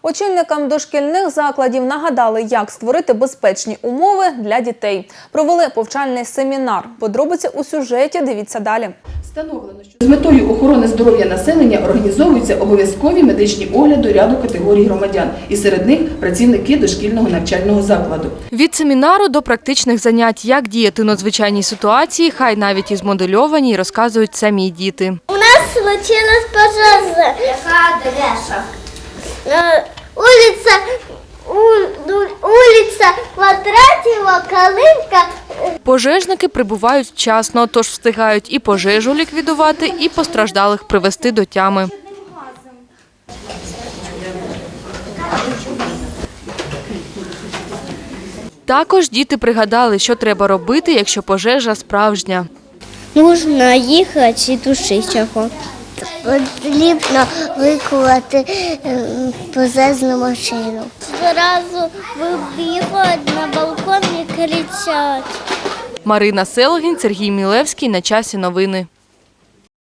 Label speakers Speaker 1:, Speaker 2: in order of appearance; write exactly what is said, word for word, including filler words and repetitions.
Speaker 1: Очільникам дошкільних закладів нагадали, як створити безпечні умови для дітей. Провели повчальний семінар. Подробиці у сюжеті дивіться далі.
Speaker 2: Встановлено, що з метою охорони здоров'я населення організовуються обов'язкові медичні огляди ряду категорій громадян, і серед них працівники дошкільного навчального закладу.
Speaker 3: Від семінару до практичних занять, як діяти у надзвичайній ситуації, хай навіть і змодельовані, розказують самі діти.
Speaker 4: У нас случилась пожежа. Яка адреса? Улиця, улиця Квадратова, Калинка.
Speaker 3: Пожежники прибувають вчасно, тож встигають і пожежу ліквідувати, і постраждалих привести до тями. Також діти пригадали, що треба робити, якщо пожежа справжня.
Speaker 4: Можна їхати і тушити його. Потрібно викликати пожежну машину. Зразу вибігають на балкон і кричать.
Speaker 3: Марина Селогін, Сергій Мілевський. На часі новини.